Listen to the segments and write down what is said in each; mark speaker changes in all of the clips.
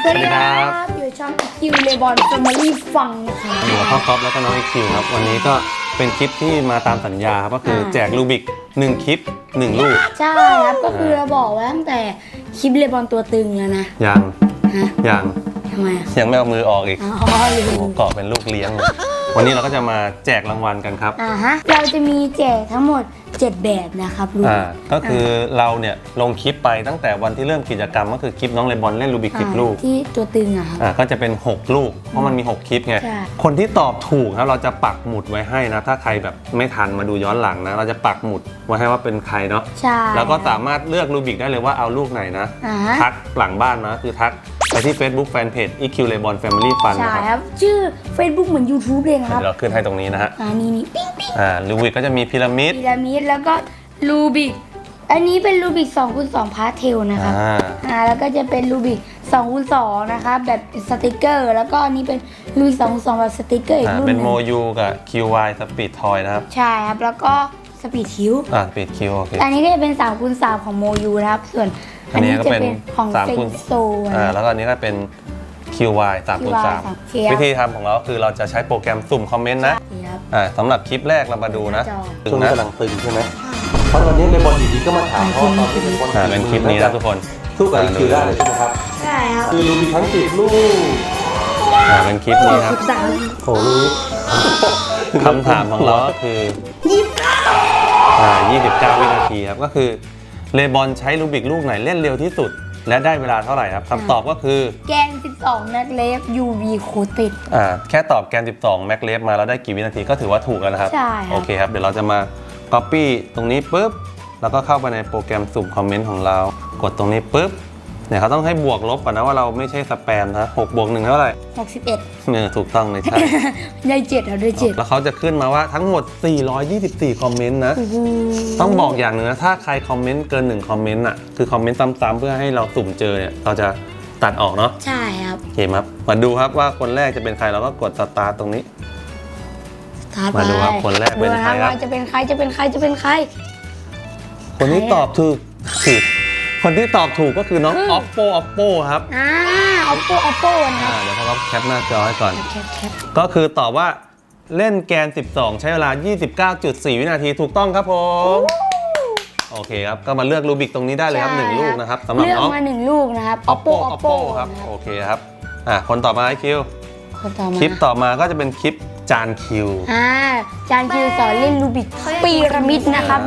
Speaker 1: วัสดีครับอยู่ช่องคิวเลบอนแฟมิลี่ฟังนะคะ
Speaker 2: อยู่กับพ่อก๊อฟแล้วก็น้องอีคิวครับวันนี้ก็เป็นคลิปที่มาตามสัญญาครับก็คือแจกรูบิก1คลิป1ลูก
Speaker 1: ใช่ครับก็คือเราบอกไว้ตั้งแต่คลิปเลบอนตัวตึงแล้วนะ
Speaker 2: ยัง
Speaker 1: ทำไม
Speaker 2: ยังไม่เอามือออกอีก
Speaker 1: ลืม
Speaker 2: เกาะเป็นลูกเลี้ยงวันนี้เราก็จะมาแจกรางวัลกันครับ
Speaker 1: เราจะมีแจกทั้งหมด7แบบนะครับลูก
Speaker 2: ก็คือเราเนี่ยลงคลิปไปตั้งแต่วันที่เริ่มกิจกรรมก็คือคลิปน้องเลบอนเล่นรูบิก10 ลูก
Speaker 1: ที่ตัวตึงครับ
Speaker 2: ก็จะเป็น6ลูกเพราะมันมี6คลิปไงคนที่ตอบถูกครับเราจะปักหมุดไว้ให้นะถ้าใครแบบไม่ทันมาดูย้อนหลังนะเราจะปักหมุดไว้ให้ว่าเป็นใครเนาะแล้วก็สามารถเลือกรูบิกได้เลยว่าเอาลูกไหนนะทักหลังบ้านนะคือทักไปที่ Facebook Fanpage EQ Lebon Family Fun
Speaker 1: นะครับชื่อ Facebook เหมือน YouTube เลยครับ
Speaker 2: เราขึ้นให้ตรงนี้นะฮะ
Speaker 1: นี่ปิ๊ง
Speaker 2: รูบิกก็จะมีพีระมิด
Speaker 1: แล้วก็รูบิกอันนี้เป็นรูบิก2x2 พาร์ทเทลนะครับแล้วก็จะเป็นรูบิก2x2 นะครับแบบสติกเกอร์แล้วก็อันนี้เป็นรูบิก2x2แบบสติกเกอร์อีกรุ่นนึง
Speaker 2: เป็นโมยูกับ QY สปีดทอยนะครับ
Speaker 1: ใช่ครับแล้วก็สปีดคิว
Speaker 2: สปีดคิวโอเค
Speaker 1: อันนี้ก็จะเป็น3x3ของโมยูนะครับส่วนอันนี้จะเป็นของเซนโซ
Speaker 2: แล้วก็อันนี้ก็เป็น QY 3x3 วิธีทำของเราคือเราจะใช้โปรแกรมสุ่มคอมเมนต์นะสำหรับคลิปแรกเรามาดูนะ
Speaker 3: ช่วงนี้กำลังตึงใช่ไหมเพราะตอนนี้เลบอนอยู่ดีก็มาถามพ่อตอนที่เลบอน
Speaker 2: เป็นคลิปนี้นะทุกคน
Speaker 3: สู้กับอีคิวได้เลยใช่ไหมครับ
Speaker 1: ใช่ครับ
Speaker 3: คือรูมีทั้ง10 ลูก
Speaker 2: เป็นคลิปนี้ครับ
Speaker 3: โอ้ลูก
Speaker 2: คำถามของเราก็คือ29 วินาทีครับก็คือเลบอนใช้รูบิกลูกไหนเล่นเร็วที่สุดและได้เวลาเท่าไหร่ครับคำตอบก็คือ
Speaker 1: แกน12แม็กเลฟ UV โคติด
Speaker 2: แค่ตอบแกน12แม็กเลฟมาแล้วได้กี่วินาทีก็ถือว่าถูกแล้วนะครับ
Speaker 1: ใช่
Speaker 2: โอเคครับเดี๋ยวเราจะมา Copy ตรงนี้ปุ๊บแล้วก็เข้าไปในโปรแกรมสุ่มคอมเมนต์ของเรากดตรงนี้ปุ๊บเนี่ยเขาต้องให้บวกลบก่อนนะว่าเราไม่ใช่สแปมนะ6 บวก 1เท่าไหร่
Speaker 1: 61
Speaker 2: เนี่ยถูกต้องเลยใช่
Speaker 1: ได้7ครับได้7
Speaker 2: แล้วเขาจะขึ้นมาว่าทั้งหมด424คอมเมนต์นะต้องบอกอย่างหนึ่งนะถ้าใครคอมเมนต์เกิน1คอมเมนต์อ่ะคือคอมเมนต์ซ้ำๆเพื่อให้เราสุ่มเจอเนี่ยเราจะตัดออกเนาะ
Speaker 1: ใช่ครับ
Speaker 2: โอเคครับมาดูครับว่าคนแรกจะเป็นใครเราก็กดสตาร์ตรงนี้มาดูครับคนแรกเป็นใครครับ
Speaker 1: จะเป็นใคร
Speaker 2: คนที่ตอบถูกคนที่ตอบถูกก็คือน้อง Oppo ครับ
Speaker 1: Oppo นะครับ
Speaker 2: เดี๋ยวเขาแคปหน้าจอให้ก่อนก็คือตอบว่าเล่นแกน12ใช้เวลา 29.4 วินาทีถูกต้องครับผมโอเคครับก็มาเลือกรูบิกตรงนี้ได้เลยครับ1ลูกนะครับสำหรับน้อง
Speaker 1: เลือกมา1ลูกนะครับ
Speaker 2: Oppo ครับโอเคครับคนต่อมาคิวคลิปต่อมาก็จะเป็นคลิปจานคิว
Speaker 1: จานคิวสอนเล่นรูบิกพีระมิดนะครับ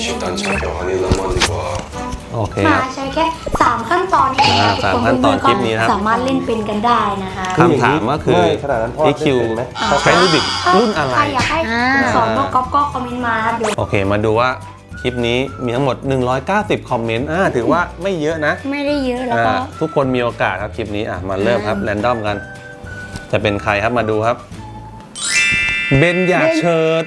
Speaker 2: โอเคครับ
Speaker 1: ใช้แค่3ขั้นตอนเอง
Speaker 2: 3ขั้นตอนคลิปนี้ครับ
Speaker 1: สามารถเล่นเป็นกันได้นะคะ
Speaker 2: คำถามก็คือพี่คิวใช้รูบิกรุ่นอะไร
Speaker 1: ใครอยากให้สอนน้องก๊อฟก็คอมเมนต์มา
Speaker 2: โอเคมาดูว่าคลิปนี้มีทั้งหมด190คอมเมนต์ถือว่าไม่เยอะนะ
Speaker 1: ไม่ได้เยอะแล้วก็
Speaker 2: ทุกคนมีโอกาสครับคลิปนี้มาเริ่มครับแรนดอมกันจะเป็นใครครับมาดูครับเบนอยากเชิด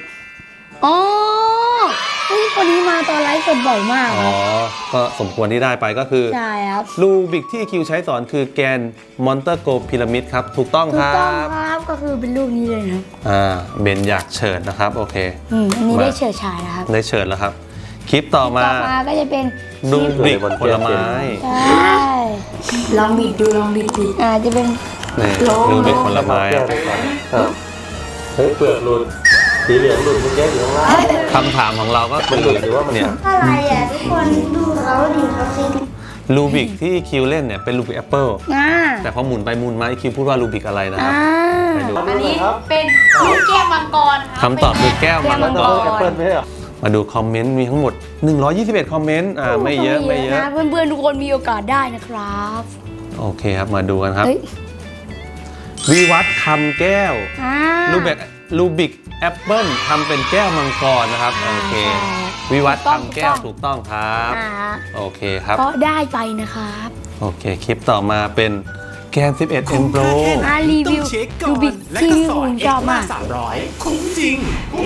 Speaker 1: คนนี้มาตอนไลฟ์สดบ่อยมาก
Speaker 2: ก็สมควรที่ได้ไปก็คือ
Speaker 1: ใช่ครับ
Speaker 2: รูบิกที่คิวใช้สอนคือแกนมอนเตอร์โกพีระมิดครับถูกต้องครับ
Speaker 1: ก็คือเป็นรูปนี้เลยนะ
Speaker 2: เบนอยากเฉิดนะครับโอเค
Speaker 1: อันนี้ได้เฉิดฉายนะครับ
Speaker 2: ได้เฉิดแล้วครับคลิปต่อมา
Speaker 1: ก็จะเป็น
Speaker 2: รูบิกผลไม้
Speaker 1: ลองบิดดูจะเป็น
Speaker 2: รูบิกผลไม้
Speaker 3: เฮ้ยเปลือกหลุดสีเหลืองหลุดมันแยกอยู่ข้างล่าง
Speaker 2: คำถามของเราก็คือ
Speaker 1: เนี่ยอะไรทุกคนดูเขาดิเขาซิ
Speaker 2: รูบิกที่คิวเล่นเนี่ยเป็นรูบิกแอปเปิลแต่พอหมุนไปหมุนมาคิวพูดว่ารูบิกอะไรนะครับ
Speaker 1: ไปดูอันนี้เป็นลูกแก้วมังกร
Speaker 2: คำตอบคือแก้วมังกร
Speaker 3: แอปเปิลไม่ใช่หรอ
Speaker 2: มาดูคอมเมนต์มีทั้งหมด121คอมเมนต์ไม่เยอะ
Speaker 1: นะเพื่อนๆทุกคนมีโอกาสได้นะครับ
Speaker 2: โอเคครับมาดูกันครับวิวัฒน์คำแก้วรูบิกแอปเปิลทำเป็นแก้วมังกรนะครับโอเควิวัฒน์ทำแก้วถูกต้องครับโอเคครับ
Speaker 1: ก็ได้ไปนะครับ
Speaker 2: โอเคคลิปต่อมาเป็นแกน11 M Pro
Speaker 1: รีวิวรูบิกที่ผมชอบมาก
Speaker 4: 300คุ้มจริง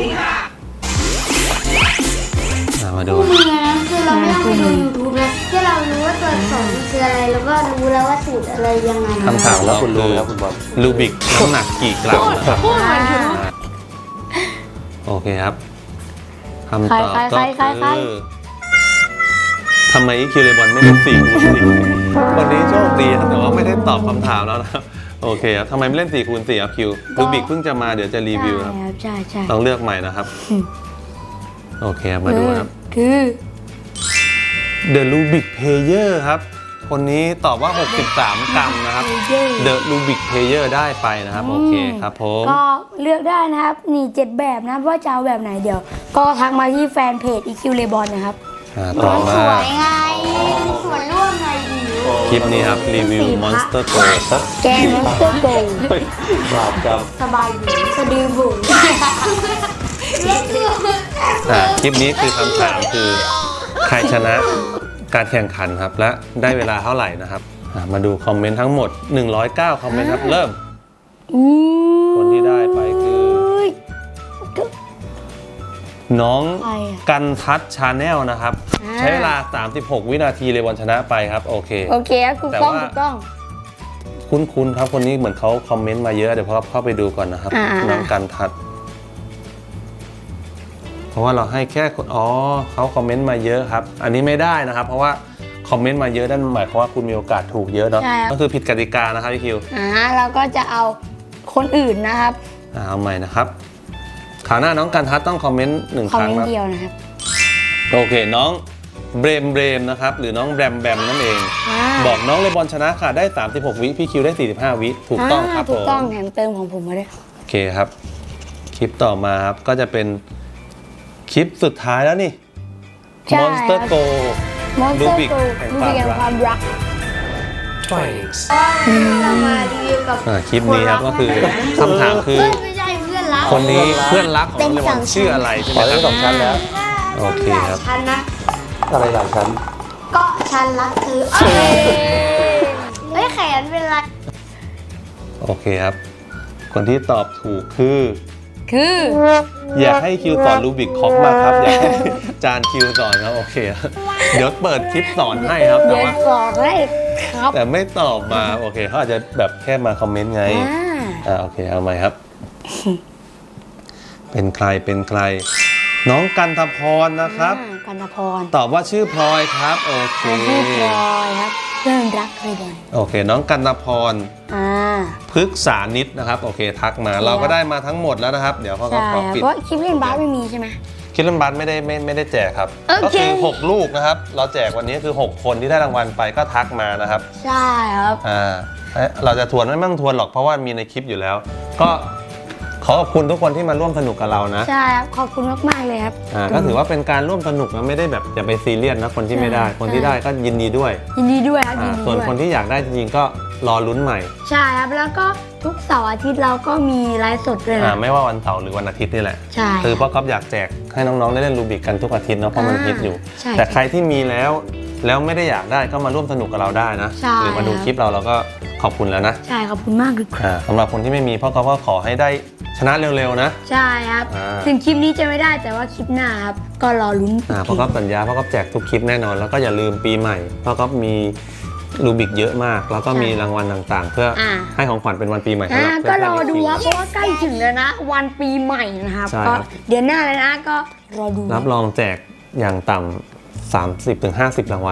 Speaker 2: มาดู
Speaker 1: คือเราไม่ต้องไปดู YouTube เลยแค่เรารู้ว่าตัวสองคืออะไรแล้วก็รู้แล้วว่าสูตรอะไรยังไง
Speaker 2: คำถามแล้วคุณรู้แล้วคุณบอลรูบิกน้ำหนักกี่กรัมโอเคครับคำตอบก็คือทำไมอีคิวเลบอนไม่เล่น4 คูณ 4วันนี้โชคดีครับแต่ว่าไม่ได้ตอบคำถามแล้วนะครับโอเคครับทำไมไม่เล่น4 คูณ 4ครับคิวรูบิกเพิ่งจะมาเดี๋ยวจะรีวิวครับ
Speaker 1: ใช่ใช่
Speaker 2: ต้องเลือกใหม่นะครับโอเคมาดูครับ
Speaker 1: คือ
Speaker 2: The Rubik Player ครับคนนี้ตอบว่า 63 กรัมนะครับ The Rubik Player ได้ไปนะครับโอเคครับผม
Speaker 1: ก็เลือกได้นะครับนี่7แบบนะว่าจะเอาแบบไหนเดี๋ยว ก็ทักมาที่แฟนเพจ EQ Lebon นะครับ
Speaker 2: ต่อมา
Speaker 1: สวยไงสวยร่วมไงดี
Speaker 2: คลิปนี้ครับรีวิว Monster Go ครับ
Speaker 1: แกง Monster Go
Speaker 3: บาปกรรม
Speaker 1: สบายหูสะดือหู
Speaker 2: คลิปนี้คือคำถามคือใครชนะการแข่งขันครับและได้เวลาเท่าไหร่นะครับมาดูคอมเมนต์ทั้งหมด109คอมเมนต์ครับเริ่มคนที่ได้ไปคือน้องกันทัศชาแนลนะครับใช้เวลา36 วินาทีเลยวันชนะไปครับโอเค
Speaker 1: โอเคครับถูกต้องถูกต้อง
Speaker 2: คุ้นๆครับคนนี้เหมือนเขาคอมเมนต์มาเยอะเดี๋ยวพอเข้าไปดูก่อนนะครับน้องกันทัศเพราะว่าเราให้แค่เขาคอมเมนต์มาเยอะครับอันนี้ไม่ได้นะครับเพราะว่าคอมเมนต์มาเยอะนั่นหมายความว่าคุณมีโอกาสถูกเยอะเนาะก็คือผิดกติกานะครับพี่คิว
Speaker 1: เราก็จะเอาคนอื่นนะครับ
Speaker 2: เอาใหม่นะครับคราวหน้าน้องกันทัศต้องคอมเมนต์1 ครั้ง
Speaker 1: คอมเมนต์เดียวนะครับ
Speaker 2: โอเคน้องเบรมนะครับหรือน้องแบมนั่นเองบอกน้องเลบอนชนะค่ะได้36 วิพี่คิวได้45 วิถูกต้องครับผม
Speaker 1: ถูกต้องแถมเติมของผมมาด้วย
Speaker 2: โอเคครับคลิปต่อมาครับก็จะเป็นคลิปสุดท้ายแล้วนี่ Monster Go รูบิกแห่งความรัก
Speaker 1: เรามารีวิวกับ
Speaker 2: คลิปนี้ครับก็คือคำถามคือ
Speaker 1: ไม่ใช่เพื่อนรัก
Speaker 2: คนนี้เพื่อนรักของเลบอนชื่ออะไรใช่ไหมครับ
Speaker 3: 2 ชั้นแล้ว
Speaker 2: โอเคครับ
Speaker 1: ชั้นนะ
Speaker 3: อะไรหลังชั้น
Speaker 1: ก็ชั้นรักคือเฮ้ยแขนเป็นไร
Speaker 2: โอเคครับคนที่ตอบถูกคืออยากให้คิวสอนรูบิกคอกมาครับอยากให้จานคิวสอนครับโอเคเดี๋ยวเปิดคลิปสอนให้ครับแต่ว่า
Speaker 1: สอนให้ครับ
Speaker 2: แต่ไม่ตอบมาโอเคเขาอาจจะแบบแค่มาคอมเมนต์ไงโอเคเอาใหม่ครับเป็นใครน้องกันทพรนะครับ
Speaker 1: กันทพร
Speaker 2: ตอบว่าชื่อพลอยครับโอเค
Speaker 1: ชื่อพลอยครับเพื่อนรักเลยบอล
Speaker 2: โอเคน้องกันทพรพฤกษานิดนะครับโอเคทักมาเราก็ได้มาทั้งหมดแล้วนะครับเดี๋ยวเขาก็ปิด
Speaker 1: เพราะคลิปเล่นบาสไม่มีใช่ไหม
Speaker 2: คลิปเล่นบาสไม่ได้แจกครับก็คือ6 ลูกนะครับเราแจกวันนี้คือ6 คนที่ได้รางวัลไปก็ทักมานะครับ
Speaker 1: ใช่ครับ
Speaker 2: เราจะทวนไม่ต้องทวนหรอกเพราะว่ามีในคลิปอยู่แล้วก็ขอบคุณทุกคนที่มาร่วมสนุกกับเรานะ
Speaker 1: ใช่ครับขอบคุณมากๆเลยครับ
Speaker 2: ก็ถือว่าเป็นการร่วมสนุกนะไม่ได้แบบอย่าไปซีเรียสนะคนที่ไม่ได้คนที่ได้ก็ยินดีด้วย
Speaker 1: ครับ
Speaker 2: ส่วนคนที่อยากได้จริงๆก็รอลุ้นใหม่
Speaker 1: ใช่ครับแล้วก็ทุกเสาร์อาทิตย์เราก็มีไลฟ์สดด้วยนะ
Speaker 2: ไม่ว่าวันเสาร์หรือวันอาทิตย์นี่แหละ
Speaker 1: ใช่
Speaker 2: คือเพราะก๊อฟอยากแจกให้น้องๆได้เล่นรูบิกกันทุกอาทิตย์เนาะเพราะมันฮิตอยู่แต่ใครที่มีแล้วไม่ได้อยากได้ก็มาร่วมสนุกกับเราได้นะหรือมาดูคลิปเราก็ขอบคุณแล้วนะ
Speaker 1: ใช่ขอบคุณมากเลย
Speaker 2: สำหรับคนที่ไม่มีพ่อก็ขอให้ได้ชนะเร็วๆนะ
Speaker 1: ใช่ครับถึงคลิปนี้จะไม่ได้แต่ว่าคลิปหน้าครับก็รอลุ้น
Speaker 2: พ่อก็สัญญาพ่อก็แจกทุกคลิปแน่นอนแล้วก็อย่าลืมปีใหม่พ่อก็มีรูบิกเยอะมากแล้วก็มีรางวัลต่างๆเพื่อให้ของขวัญเป็นวันปีใหม่สำหรับ
Speaker 1: ก็รอดูครับเพราะว่าใกล้ถึงแล้วนะวันปีใหม่นะครับก็เดือนหน้าเลยนะก็รอดู
Speaker 2: รับรองแจกอย่างต่ำ30-50 รางวัล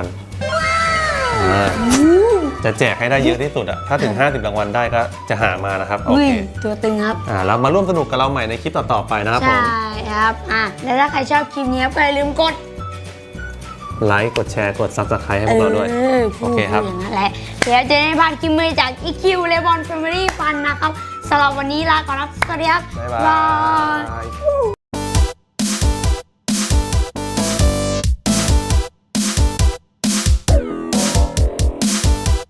Speaker 2: จะแจกให้ได้เยอะที่สุดถ้าถึง50 รางวัลได้ก็จะหามานะครับโอเค
Speaker 1: ตัวตึงครับ
Speaker 2: เรามาร่วมสนุกกับเราใหม่ในคลิปต่อๆไปนะครับผม
Speaker 1: ใช่ครับแล้วถ้าใครชอบคลิปนี้ก็อย่าลืมกด
Speaker 2: ไลค์กดแชร์กด Subscribe ให้พวกเราด้วยโอเคครับ
Speaker 1: อย่างนั้นแหละเดี๋ยวจะได้พาคลิปใหม่จาก EQ Lebon Family Fun นะครับสำหรับวันนี้ลาก่อนครับสวัสดีครับ
Speaker 2: บ๊ายบาย